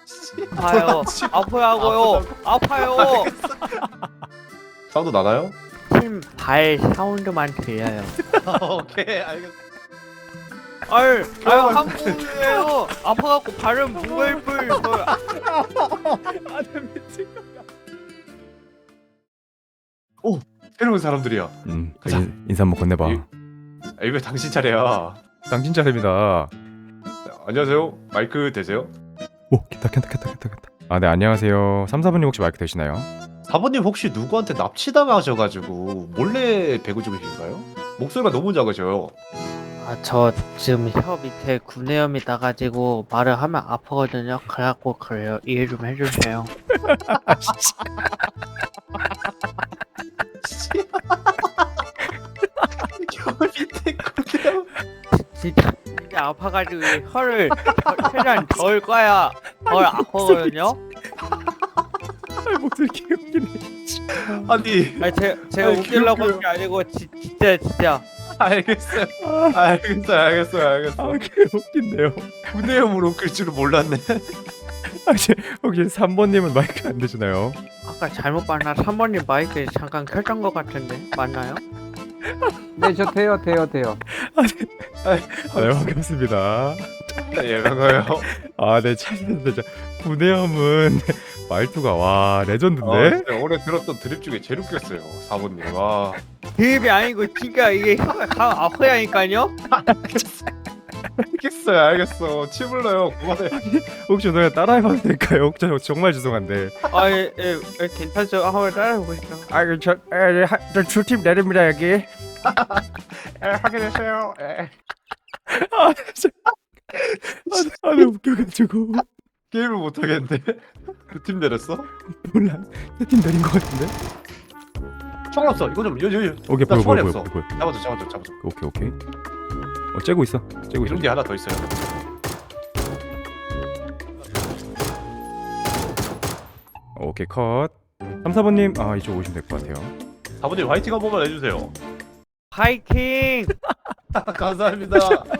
아파요. 아파요고요. 아파요. 사운드 나나요? 발 사운드만 들려요. 오케이 알겠어. 아유 한국이에요. 아파갖고 발은 뭉글뭉글. 아니 미친 거야. 오 새로운 사람들이야. 가자. 인사 한번 건네봐. 왜 당신 차례야? 당신 차례입니다. 안녕하세요. 마이크 되세요? 오, 켰다. 아, 네, 안녕하세요. 3, 4분님 혹시 마이크 되시나요? 사모님 혹시 누구한테 납치당하셔가지고 몰래 배구 중이신가요? 목소리가 너무 작으셔요. 아 저 지금 혀 밑에 구내염이 나가지고 말을 하면 아프거든요. 그래갖고 그래요. 이해 좀 해주세요. 혀 밑에 그냥 진짜 아파가지고 이 혀를 최대한 덜 꺼야 덜 아프거든요. 목소리 개웃기네. 아니 아니 제가 아니, 웃기려고 그- 한 게 아니고 진짜 알겠어요. 알겠어. 개웃긴데요. 구내염으로 웃길 줄은 몰랐네. 혹시 3번님은 마이크 안 되시나요? 아까 잘못 봤나? 3번님 마이크 잠깐 켰던 것 같은데 맞나요? 네, 저 돼요. 네, 반갑습니다. 예 반가워요. 아, 네, 참, 진짜 구내염은 말투가 와 레전드인데? 진짜 올해 들었던 드립 중에 제일 웃겼어요. 사모님. 와. 드립이 아니고 진짜 이게 혀가 다 아파야니까요. 알겠어. 침 흘러요. 그만해. 혹시 너가 따라해봐도 될까요? 정말 죄송한데. 아예 괜찮죠? 한번 따라해보시죠. 저 주팀 내립니다 여기. 확인했어요. 아, 진짜. 너무 웃겨가지고. 게임을 못 하겠는데. 그 팀 내렸어? 몰라. 팀 내린 것 같은데? 총 없어. 이거 좀 요. 오케이, 나 보여. 총알이 없어. 잡아줘. 오케이. 째고 있어. 이런 게 하나 더 있어요. 오케이, 컷. 3, 4번님, 이쪽 오시면 될 것 같아요. 사모님 화이팅 한 번만 해주세요. 파이팅! 감사합니다.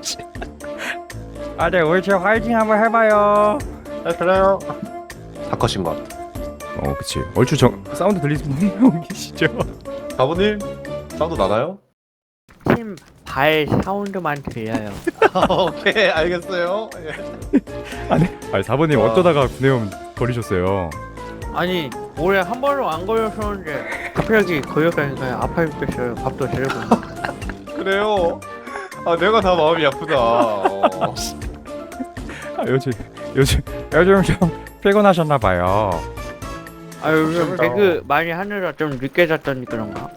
네, 우리 제 화이팅 한번 해봐요. 그래요. 다 컷인 것 같아. 그치. 얼추 사운드 들리시는 분 계시죠? 사모님 사운드 나나요? 발 사운드만 들려요. 오케이 알겠어요. 아니, 4번님 어쩌다가 구내염 걸리셨어요? 아니 올해 한 번도 안 걸렸었는데 갑자기 걸렸다니까요. 아파 죽겠어요. 밥도 제대로 못 먹고. 그래요. 내가 다 마음이 아프다. 요즘 좀 피곤하셨나봐요. 요즘 배그 많이 하느라 좀 늦게 잤더니 그런가?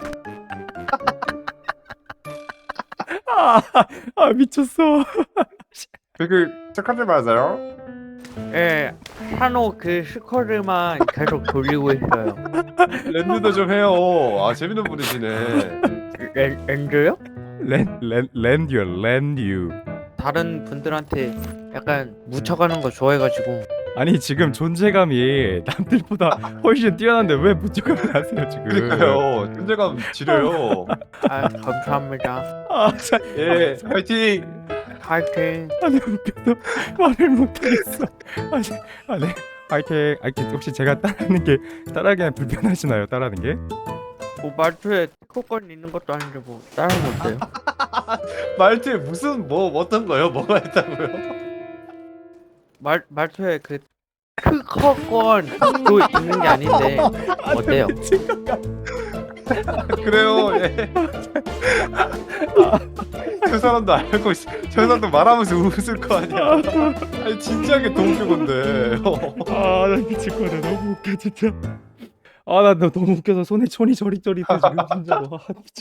미쳤어. 그 착하지 마세요. 예, 산호 그 스쿼드만 계속 돌리고 있어요. 랜드도 좀 해요. 재밌는 분이시네. 렌즈요? 랜듀. 다른 분들한테 약간 묻혀가는 거 좋아해가지고. 아니 지금 존재감이 남들보다 훨씬 뛰어난데 왜 무조건 하세요 지금? 그러니까요. 존재감 지려요. 감사합니다. 예, 파이팅. 파이팅. 아니 웃겨서 말을 못하겠어. 아니 화이팅. 혹시 제가 따라하기엔 불편하시나요? 따라하는 게? 뭐 말투에 특허권 있는 것도 아닌데 뭐 따라하면 어때요? 말투에 무슨 어떤 거요? 뭐가 있다고요? 말투에 그 특허권도 있는 게 아닌데 어때요? 그래요. 예. 저 사람도 알고 있어. 저 사람도 말하면서 웃을 거 아니야. 아니 진지하게 도움줄 건데. 나 미칠 거네. 너무 웃겨 진짜. 나 너무 웃겨서 손이 저리저리 지금 진짜로. 미치.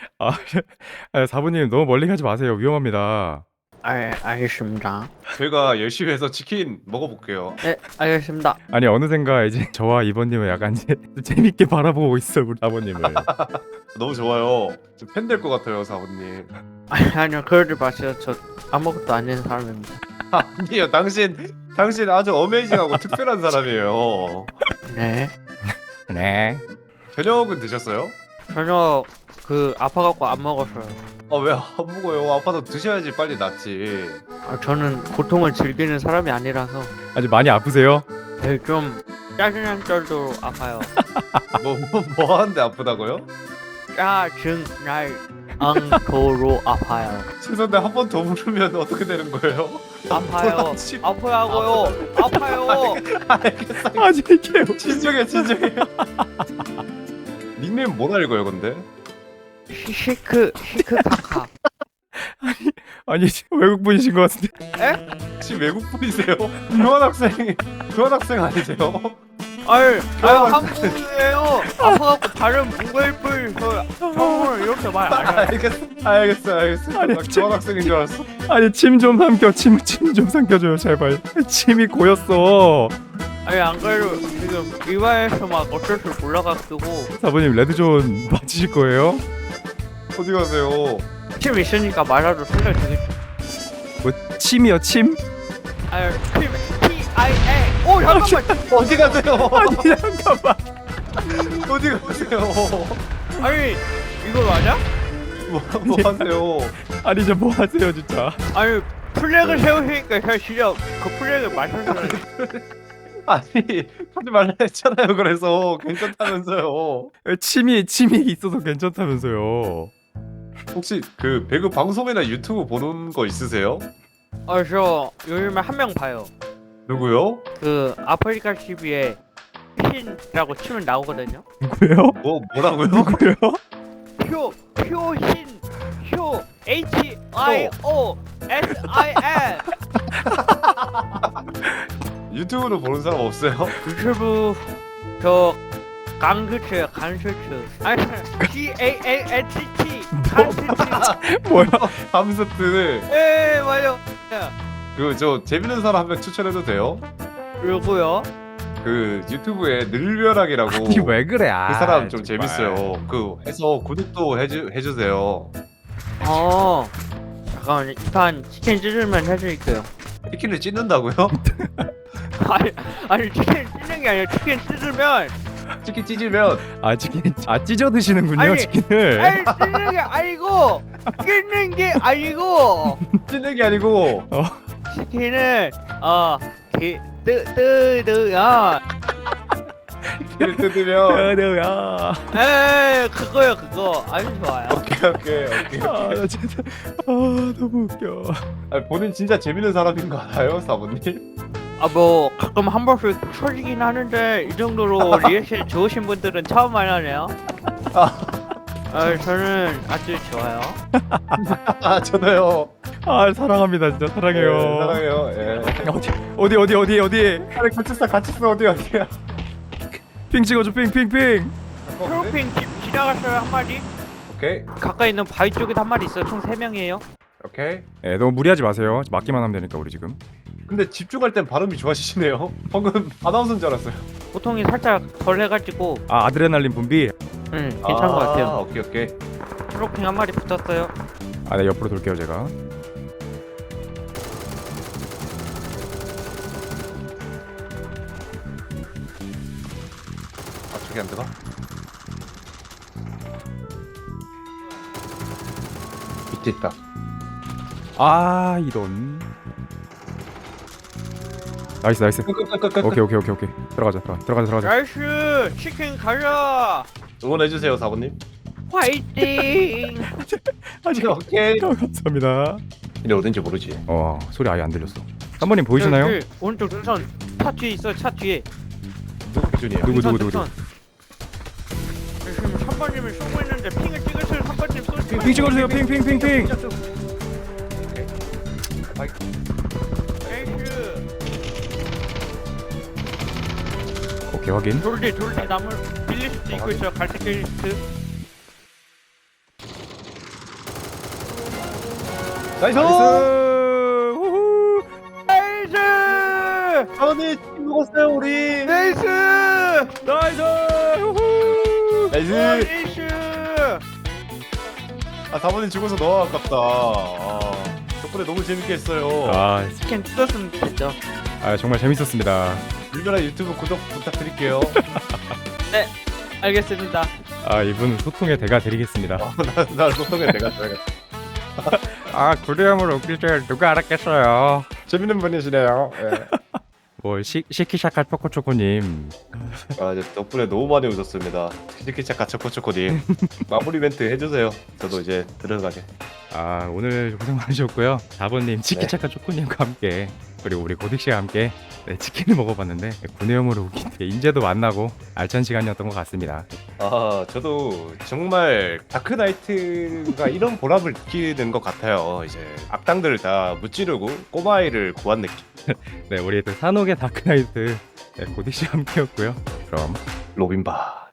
사부님 너무 멀리 가지 마세요. 위험합니다. 알겠습니다. 저희가 열심히 해서 치킨 먹어볼게요. 네, 알겠습니다. 아니 어느샌가 이제 저와 이번님을 약간 이제 재밌게 바라보고 있어 우리 아버님을. 너무 좋아요. 팬 될 것 같아요, 사부님. 아니요, 그러지 마세요. 저 아무것도 아닌 사람입니다. 아니요, 당신 아주 어메이징하고 특별한 사람이에요. 네. 네. 저녁은 드셨어요? 전혀 그 아파갖고 안 먹었어요. 왜 안 먹어요? 아파도 드셔야지 빨리 낫지. 저는 고통을 즐기는 사람이 아니라서 아주 많이 아프세요? 좀 짜증난 정도로 아파요. 뭐 하는데 아프다고요? 짜증날 정도로 아파요. 죄송한데 한 번 더 부르면 어떻게 되는 거예요? 아파요. 아파요고요. 아파요. 알겠어. 아니 이게 진정해. 닉네임 뭐라 읽어요 근데? 시크카카. 아니 외국 분이신 것 같은데. 혹시 외국 분이세요? 교환학생 아니세요? 아유 한국이에요. 아파갖고 발음 뭉글뭉글. 형을 이렇게 말 안 해요. 알겠어. 아니, 나 교환학생인 줄 알았어. 아니 침 좀 삼켜 침 좀 삼켜줘요 제발. 침이 고였어. 아니 안 그래도 지금 이화에서 막 어쩔 줄 몰라가지고 사부님 레드존 맞으실 거예요? 어디 가세요? 침 있으니까 말아도 생각 되겠지. 뭐 침이요 침? 아유 침 T-I-A. 오 잠깐만. 어디 가세요? 아니 잠깐만. 어디 가세요? 아니 이거 맞아? 뭐 하세요? 아니 저 뭐 하세요 진짜. 아니 플렉을 세우시니까 제가 진짜 그 플렉을 맞춰서 아니 하지 말라 했잖아요. 그래서 괜찮다면서요. 침이 있어서 괜찮다면서요. 혹시 그 배그 방송이나 유튜브 보는 거 있으세요? 저 요즘에 한 명 봐요. 누구요? 그 아프리카 TV에 신이라고 치면 나오거든요. 누구요? 뭐라고요? 누구요? 표신 HIOSIN. 유튜브로 보는 사람 없어요? 유튜브 저 강스츠 아니 GANTT 강스츠. 뭐야? 함스트. 예 맞아요. 그 저 재밌는 사람 한 명 추천해도 돼요? 그리고요. 그 유튜브에 늘벼락이라고 아니 왜 그래? 그 사람 좀 재밌어요. 그 해서 구독도 해주세요. 잠깐만 이판 치킨 찢으면 해드릴게요. 치킨을 찢는다고요? 아니 치킨 찢는 게 아니라 치킨 찢으면 치킨 찢으면 치킨 찢어 드시는군요 아니, 치킨을. 찢는 게 아니고 찢는 게 아니고 찢는 게 아니고 치킨을 뜨야 치킨을 뜯으면 야. 그거요 그거 아주 좋아요. 오케이. 나 진짜 너무 웃겨. 아니, 본인 진짜 재밌는 사람인 거 알아요, 사부님? 뭐 가끔 한 번씩 쳐지긴 하는데 이 정도로 리액션 좋으신 분들은 처음 만나네요. 저는 아주 좋아요. 저도요. 사랑합니다 진짜 사랑해요. 네, 사랑해요. 예. 어디 아니 같이 써 어디야? 핑 찍어줘 핑. 프로핑 지나갔어요 한 마리. 오케이. 가까이 있는 바위 쪽에도 한 마리 있어요. 총 3명이에요. 오케이. 네, 너무 무리하지 마세요. 맞기만 하면 되니까 우리 지금. 근데 집중할 땐 발음이 좋아지시네요. 방금 아나운서인 줄 알았어요. 고통이 살짝 덜 해가지고 아드레날린 분비. 괜찮은 것 같아요. 오케이. 프로핑 한 마리 붙었어요. 네 옆으로 돌게요 제가. 저기 안 들어가? 밑에 있다. 이런. 나이스. 오케이. 들어가자. 나이스 치킨 가자. 응원해주세요, 사부님. 화이팅. 오케이. 감사합니다. 근데 어딘지 모르지. 소리 아예 안 들렸어. 한번님 보이시나요? 여기 오른쪽 눈선 차 뒤에 있어. 차 뒤에. 누구 기준이야? 누구? 눈선. 지금 3번님을 쏘고 있는데 핑을 찍으세요. 3번님 쏘지 핑 찍어주세요. 핑. 나이스. 오케이 확인. 돌디 나물 빌릴 수도 있고 있어요. 갈색 게이트. 나이스! 우후. 나이스. 사부님 먹었어요 우리. 나이스. 우후. 나이스. 사부님 죽어서 너무 아깝다. 덕분에 너무 재밌게 했어요. 치킨 뜯었으면 됐죠. 정말 재밌었습니다. 물벼락 유튜브 구독 부탁드릴게요. 네. 알겠습니다. 아 이분 소통의 대가 드리겠습니다. 나 소통에 내가 줘야겠다. 아 구리함으로 웃길 줄 누가 알았겠어요. 재밌는 분이시네요. 예. 뭐 시키샤카 초코초코님. 아, 이제 덕분에 너무 많이 웃었습니다. 치키차카 초코초코님 마무리 멘트 해주세요. 저도 이제 들어가게. 아 오늘 고생 많으셨고요. 4번님 치키차카 초코님과 함께 그리고 우리 고딕씨와 함께 네, 치킨을 먹어봤는데 구내염으로 웃긴 인재도 만나고 알찬 시간이었던 것 같습니다. 아, 저도 정말 다크나이트가 이런 보람을 느끼는 것 같아요. 이제 악당들을 다 무찌르고 꼬마아이를 구한 느낌. 네 우리 또 산옥의 다크나이트 네, 고딕씨와 함께였고요. 그럼 로빈바.